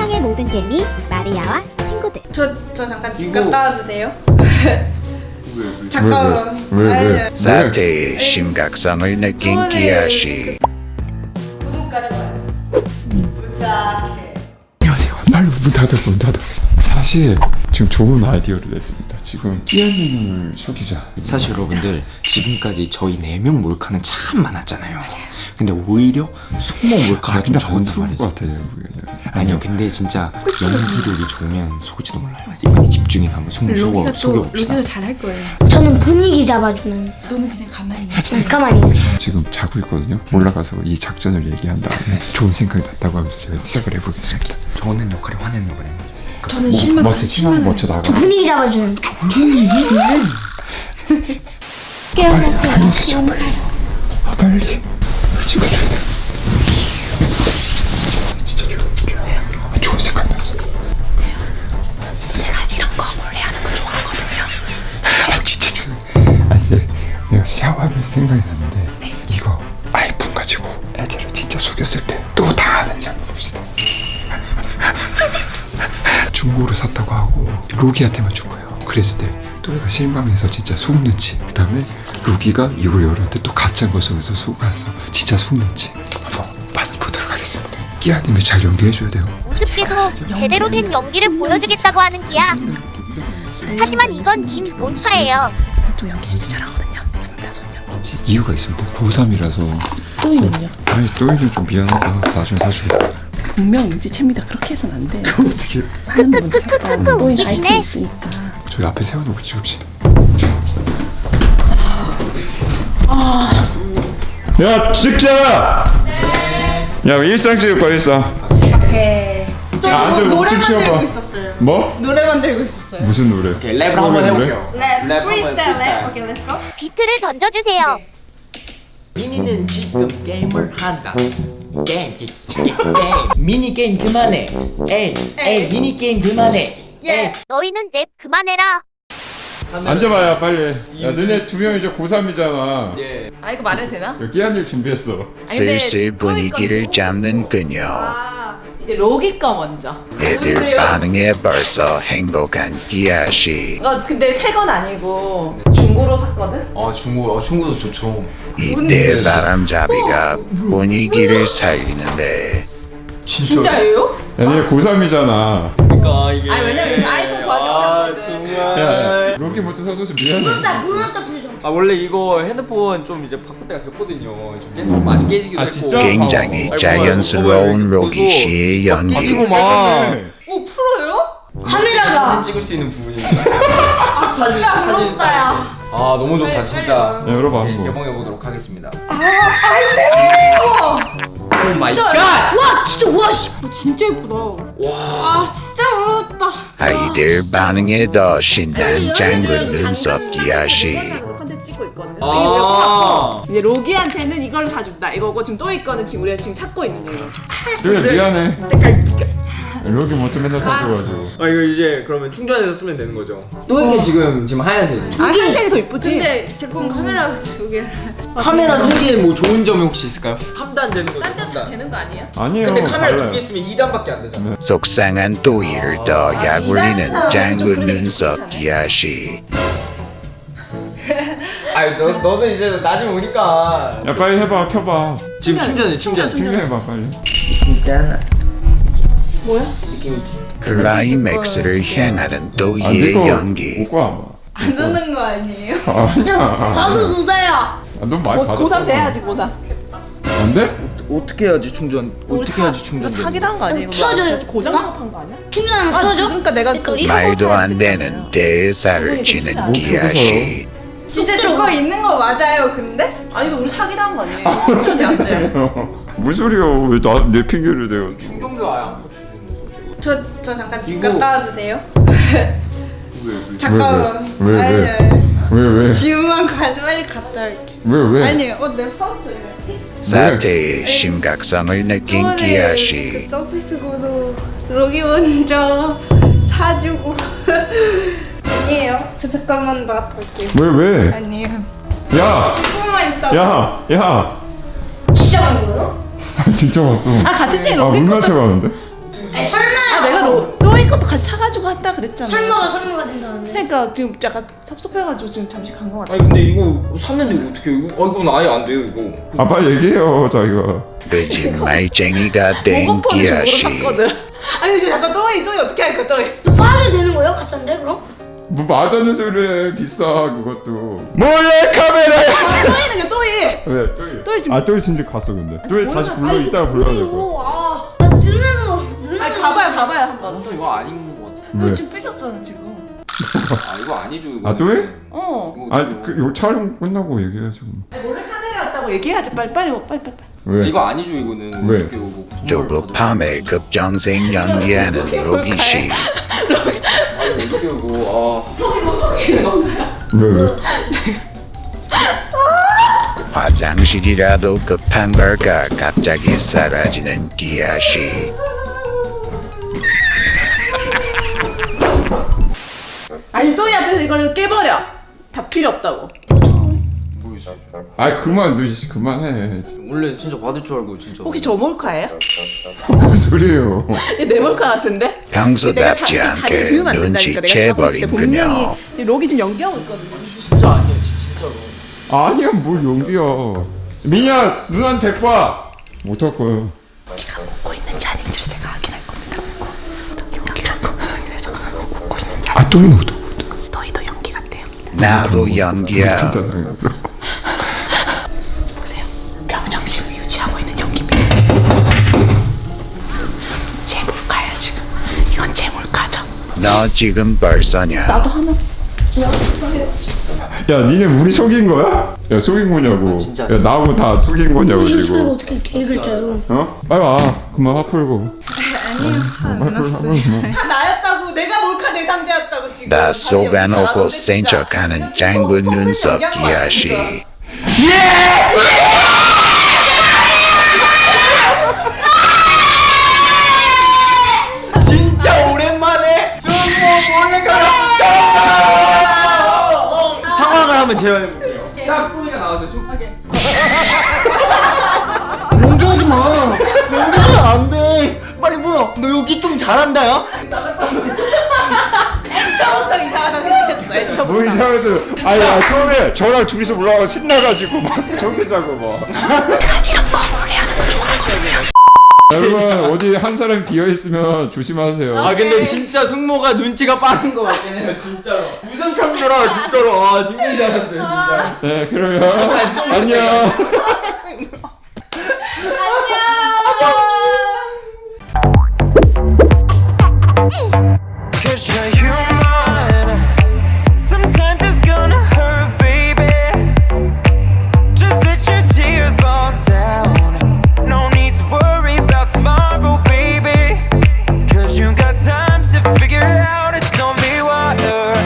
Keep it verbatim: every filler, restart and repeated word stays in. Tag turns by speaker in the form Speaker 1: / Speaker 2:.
Speaker 1: 세상의 모든 재미 마리아와 친구들.
Speaker 2: 저, 저 잠깐 집
Speaker 3: 이거-
Speaker 2: 갔다 와도 돼요?
Speaker 3: 왜?
Speaker 2: 잠깐만.
Speaker 4: 왜, 왜?
Speaker 2: 아니,
Speaker 4: 왜?
Speaker 2: 아니.
Speaker 5: 사태의 심각성을 느낀 기아씨.
Speaker 2: 구독과 좋아요. 부탁해.
Speaker 4: 안녕하세요. 빨리 문 닫아, 문 닫아. 사실 지금 좋은 아이디어를 냈습니다. 지금 끼안님을 속이자.
Speaker 3: 사실 여러분들 지금까지 저희 네 명 몰카는 참 많았잖아요. 맞아요. 근데 오히려 숙모 몰카가 좀 적었단 말이죠.
Speaker 4: 것 같아요.
Speaker 3: 아니요, 근데 진짜 연기력이 좋으면 속을지도 몰라요. 이번에 집중해서 한번 숙모 속여
Speaker 2: 로기가 또
Speaker 3: 속여봅시다.
Speaker 2: 로기가 잘할 거예요.
Speaker 1: 저는 분위기 잡아주는.
Speaker 2: 너는 그냥 가만히 있어.
Speaker 1: 잠깐만요.
Speaker 4: 지금 자고 있거든요. 올라가서 이 작전을 얘기한 다음에 좋은 생각이 났다고 하면서 제가 시작을 해보겠습니다.
Speaker 3: 저는 역할이 화내는 역할입니다.
Speaker 2: 저는 실망.
Speaker 4: 멋져, 실망 멋져 나가.
Speaker 1: 분위기 잡아주는. 깨어나세요. 용사요.
Speaker 4: 아, 빨리. 찍어줘야 돼. 진짜 조용, 조용해. 아, 좋은 생각 났어.
Speaker 3: 제가 이런 거 몰래 하는 거 좋아하거든요.
Speaker 4: 아, 진짜 조용해. 아니, 내- 내가 샤워하면서 생각이 났는데 이거 아이폰 가지고 애들을 진짜 속였을 때 또 당하는지 한번 봅시다. 중고로 샀다고 하고 로기한테만 준 거예요. 그랬을 때 또래가 실망해서 진짜 속는지, 그 다음에 로기가 이걸 열한테 또 가짜인 거 속에서 속아서 진짜 속는지 한번 많이 보도록 하겠습니다. 끼아님이 잘 연기해줘야 돼요.
Speaker 6: 우습게도 제대로 된 연기를 보여주겠다고 하는 기야. 하지만 이건 이미 몰카예요.
Speaker 2: 또 연기 진짜 잘하거든요. 다섯년.
Speaker 4: 이유가 있습니다. 고삼이라서
Speaker 2: 또이는요?
Speaker 4: 아니 또이는 좀 미안하다. 나중에 사줄게.
Speaker 2: 분명 눈치챕니다. 그렇게 해서는 안 돼.
Speaker 4: 어떻게
Speaker 2: 하는 분 착각. 또이
Speaker 6: 웃기시네.
Speaker 2: 아이템 있으니까.
Speaker 4: 저기 앞에 세워놓고 찍읍시다. 야 찍자. 네. 야 일상 찍을 거야 일상.
Speaker 2: 오케이. 또
Speaker 4: 야, 안 돼,
Speaker 2: 노래
Speaker 4: 웃기
Speaker 2: 만들고
Speaker 4: 쉬워봐.
Speaker 2: 있었어요.
Speaker 4: 뭐?
Speaker 2: 노래 만들고 있었어요.
Speaker 4: 무슨 노래?
Speaker 3: 오케이, 랩을 한번 해볼게요.
Speaker 2: 랩,
Speaker 3: 랩
Speaker 2: 프리스타일
Speaker 3: 한번
Speaker 2: 랩. 오케이, 렛츠 고.
Speaker 6: 비트를 던져주세요.
Speaker 7: 미니는 지금 게임을 한다. 게임, 게, 게, 게임. 미니 게임 그만해. 에이, 에이, 미니 게임 그만해.
Speaker 2: 예.
Speaker 6: 너희는 랩 그만해라.
Speaker 4: 앉아봐야 빨리. 야 너네 두 명 이제 고삼이잖아.
Speaker 7: 예.
Speaker 2: 아 이거 말해도 되나?
Speaker 4: 여기 끼안일 준비했어.
Speaker 5: 슬슬 분위기를 잡는 그녀.
Speaker 2: 아 이제 로기 거 먼저.
Speaker 5: 애들
Speaker 2: 뭔데요?
Speaker 5: 반응에 벌써 행복한 기아씨.
Speaker 2: 이거 근데 새 건 아니고 중고로 샀거든?
Speaker 3: 어 중고, 어 중고도 좋죠.
Speaker 5: 이때 바람잡이가 분위기를 살리는데
Speaker 2: 진짜예요?
Speaker 4: 야 너네 고삼이잖아.
Speaker 7: 그러니까 이게.
Speaker 2: 아니 왜냐면 이거 아이폰 구하기 어렵거든.
Speaker 4: 야 로기 먼저 사줘서 미안해.
Speaker 1: 몰랐다 표정.
Speaker 7: 아 원래 이거 핸드폰 좀 이제 바꿀 때가 됐거든요. 좀 깨, 많이 깨지기도
Speaker 4: 아,
Speaker 7: 했고.
Speaker 4: 진짜?
Speaker 5: 굉장히
Speaker 7: 아이고,
Speaker 5: 자연스러운
Speaker 7: 아이고,
Speaker 5: 로기
Speaker 7: 벌써
Speaker 5: 씨의 연기.
Speaker 7: 가지고 막.
Speaker 2: 오 프로예요?
Speaker 7: 카메라가 사진 찍을 수 있는 부분입니다.
Speaker 2: 아 진짜 부럽다 야.
Speaker 7: 아 너무 좋다 진짜.
Speaker 4: 야 열어봐
Speaker 7: 예,
Speaker 4: 한번.
Speaker 7: 개봉해 보도록 하겠습니다.
Speaker 2: 우와
Speaker 7: 오 마이 갓.
Speaker 2: 와 진짜 와 씨. 어, 진짜 예쁘다.
Speaker 7: 와.
Speaker 2: 아 진짜 부럽다.
Speaker 5: 아이들 반응에 더 신난 장군 눈썹 기아씨.
Speaker 2: 컨텐츠 찍고 있거든.
Speaker 7: 아.
Speaker 2: 이제 로기한테는 이걸 사준다. 이거고 지금 또이 거는 지금 우리가 지금 찾고 있는 거예요.
Speaker 4: 그래 미안해. 로기 먼저 맨날 사줘가지고.
Speaker 7: 아 이거 이제 그러면 충전해서 쓰면 되는 거죠? 또이게 지금 지금 하얀색이에요.
Speaker 2: 아 한색이 더 이쁘지?
Speaker 8: 근데 제품 카메라 두 개.
Speaker 7: 카메라 소리에 뭐 좋은 점이 혹시 있을까요? 삼 단 되는 거죠? 삼 단.
Speaker 2: 되는 거 아니에요?
Speaker 4: 아니에요.
Speaker 7: 근데 카메라 두
Speaker 4: 달라요.
Speaker 7: 개 있으면 이 단밖에 안 되잖아.
Speaker 5: 속상한 또이를 더 약올리는 장군 눈썹 기아씨.
Speaker 7: 아니 너 너는 이제 나중에 오니까.
Speaker 4: 야 빨리 해봐 켜봐.
Speaker 7: 지금 충전해 충전.
Speaker 4: 충전해봐 빨리.
Speaker 7: 진짜.
Speaker 2: 뭐야?
Speaker 5: 클라이맥스를 향하는
Speaker 4: 아
Speaker 5: 또이의
Speaker 4: 이거
Speaker 5: 연기.
Speaker 4: 못 가.
Speaker 8: 안 듣는 거 아니에요?
Speaker 4: 아니야.
Speaker 1: 나도 누다야.
Speaker 4: 아, 넌 많이 받았어.
Speaker 2: 고삼 돼야지 고삼.
Speaker 4: 안 돼?
Speaker 7: 어떻게 해야지 충전? 어떻게 해야지 충전?
Speaker 2: 사기도 한 거 아니에요?
Speaker 1: 켜줘요.
Speaker 2: 고장 작업한 거 아니야?
Speaker 1: 충전하면
Speaker 2: 아
Speaker 1: 켜져?
Speaker 2: 그러니까 내가 그
Speaker 1: 배터리?
Speaker 5: 말도 안 되는 대사를 치는 기아씨.
Speaker 8: 진짜 저거 있는 거 맞아요, 근데?
Speaker 2: 아니 이거 우리 사기도 한 거 아니에요? 충전이 안 돼.
Speaker 4: 무슨 소리야? 왜 나 내 핑계를 대요?
Speaker 7: 충전기 아예 안 꽂혀있는데 솔직히.
Speaker 8: 저, 저 잠깐 집
Speaker 7: 이거-
Speaker 8: 갔다 와도 돼요?
Speaker 7: 왜 왜?
Speaker 8: 잠깐만.
Speaker 4: 왜, 왜?
Speaker 8: 아니,
Speaker 4: 왜?
Speaker 8: 아니.
Speaker 4: 왜 왜?
Speaker 8: 지금만 가, 빨리 갔다 올게.
Speaker 4: 왜 왜?
Speaker 8: 아니, 어, 내 파우치 어디 갔지?
Speaker 5: 사태의 심각성을 느낀
Speaker 8: 저번에
Speaker 5: 기아씨.
Speaker 8: 그 서비스 구도 로기 먼저 사주고. 아니에요. 저 잠깐만 나갔다 올게요.
Speaker 4: 왜 왜?
Speaker 8: 아니에요.
Speaker 4: 야!
Speaker 8: 십 분만 있다가.
Speaker 4: 야! 야!
Speaker 1: 진짜 간 거예요?
Speaker 4: 진짜 왔어.
Speaker 2: 아 같이 찍은
Speaker 4: 아,
Speaker 2: 로켓
Speaker 4: 문 맞춰 가는데?
Speaker 1: 아니 설마요.
Speaker 2: 내가 로, 또이 것도 같이 사가지고 왔다 그랬잖아.
Speaker 1: 설마가 설마가 된다는데.
Speaker 2: 그러니까 지금 약간 섭섭해가지고 지금 잠시 간 것 같아.
Speaker 3: 아니 근데 이거 샀는데 이거 어떻게 이거? 아 이건 아예 안 돼요 이거.
Speaker 4: 아 빨리 얘기해요 자기가.
Speaker 5: 거짓말쟁이가 된
Speaker 2: 보고폰을
Speaker 5: 기아
Speaker 2: 저거로
Speaker 5: 씨.
Speaker 2: 샀거든. 아니 이제 약간 또이 또이 어떻게 할 거야 또이?
Speaker 1: 빠르게 되는 거예요? 가짜인데 그럼?
Speaker 4: 뭐 말하는 소리래 비싸 그것도. 몰래 카메라야.
Speaker 2: 또이는요 또이.
Speaker 4: 왜 또이?
Speaker 2: 또이 지금-
Speaker 4: 아 또이 진짜 갔어 근데. 또이
Speaker 2: 몰라.
Speaker 4: 다시 불러
Speaker 1: 아니,
Speaker 4: 이따가 불러야 될 거야.
Speaker 1: 이거 아, 아 누나도 누나도.
Speaker 2: 아니 가봐요 가봐요 한번.
Speaker 3: 아, 이거 아닌 것 같아.
Speaker 2: 너
Speaker 4: 왜?
Speaker 2: 지금 삐졌잖아 지금.
Speaker 3: 아 이거 아니죠 이거.
Speaker 4: 아 또이?
Speaker 2: 어.
Speaker 4: 아니 그 요 촬영 끝나고 얘기해야지.
Speaker 2: 아니, 몰래 카메라였다고 얘기해야지 빨리 빨리 빨리 빨리.
Speaker 4: 왜?
Speaker 3: 이거 아니죠 이거는.
Speaker 4: 왜?
Speaker 3: 어떻게 이거 뭐 선물
Speaker 5: 조급함에 급정생 연기하는 로기 씨.
Speaker 3: 받을- 아니 어떻게 이거
Speaker 4: 왜 왜?
Speaker 5: 화장실이라도 급한 걸까 갑자기 사라지는 기아 씨.
Speaker 2: 아니 또이 앞에서 이걸 깨버려. 다 필요 없다고.
Speaker 3: 모르겠어.
Speaker 4: 아 그만 너 이제 그만해.
Speaker 3: 원래 진짜 받을 줄 알고 진짜.
Speaker 2: 혹시 저 몰카예요?
Speaker 4: 뭔 소리예요?
Speaker 2: 이게 내 몰카 같은데? 내가
Speaker 5: 평소답지
Speaker 2: 자기
Speaker 5: 않게
Speaker 2: 자기 비우면 안 된다니까. 내가 봤을 때
Speaker 5: 눈치채버린군요.
Speaker 2: 분명히 이 록이 지금 연기하고 있거든요.
Speaker 3: 진짜 아니야 진짜로.
Speaker 4: 아니야 뭘 연기야. 민야 누나한테 데리고 와. 못할 거야.
Speaker 2: 웃고 있는지 아닌지를 제가 확인할 겁니다. 연기가 그래서 웃고 있는지
Speaker 4: 아 또이 못.
Speaker 2: 너희도 연기 같대요.
Speaker 5: 나도 연기야.
Speaker 2: 보세요. 평정심을 유지하고 있는 연기입니다. 제 몰카야 지금. 이건 제 몰카죠.
Speaker 5: 너 지금 벌써냐?
Speaker 2: 나도 하나.
Speaker 4: 야 니네 우리 속인 거야? 야 속인 거냐고.
Speaker 3: 아, 진짜,
Speaker 4: 야
Speaker 3: 진짜.
Speaker 4: 나하고 다 속인 거냐고
Speaker 1: 이거 저희가
Speaker 4: 지금.
Speaker 1: 어떻게 계획을 짜요?
Speaker 4: 어? 빨리 와. 그만 화 풀고.
Speaker 2: 다 나였다고. 내가 몰카 대상자였다고 지금.
Speaker 5: 나 속아놓고 센 척하는 짱구 눈썹 기아 씨.
Speaker 7: 진짜 오랜만에 승모 몰래카메라 상황을 한번 재현해볼게요.
Speaker 3: 딱 소리가 나왔어요. 소-
Speaker 7: 연기하지 마. 연기하면 안 돼. 빨리 물어. 너 여기 좀 잘한다, 야.
Speaker 2: 애초부터 이상하다 생각했어. 애초부터.
Speaker 4: 뭐 이상해도 아니 야 처음에 저랑 둘이서 올라가고 신나가지고 막 저기자고 막. 여러분 어디 한 사람 비어 있으면 조심하세요.
Speaker 7: 아 근데 진짜 승모가 눈치가 빠른 것 같긴 해요, 진짜로. 무슨 참더라, 진짜로. 아, 죽는 줄 알았어요, 진짜.
Speaker 4: 네 그러면 안녕.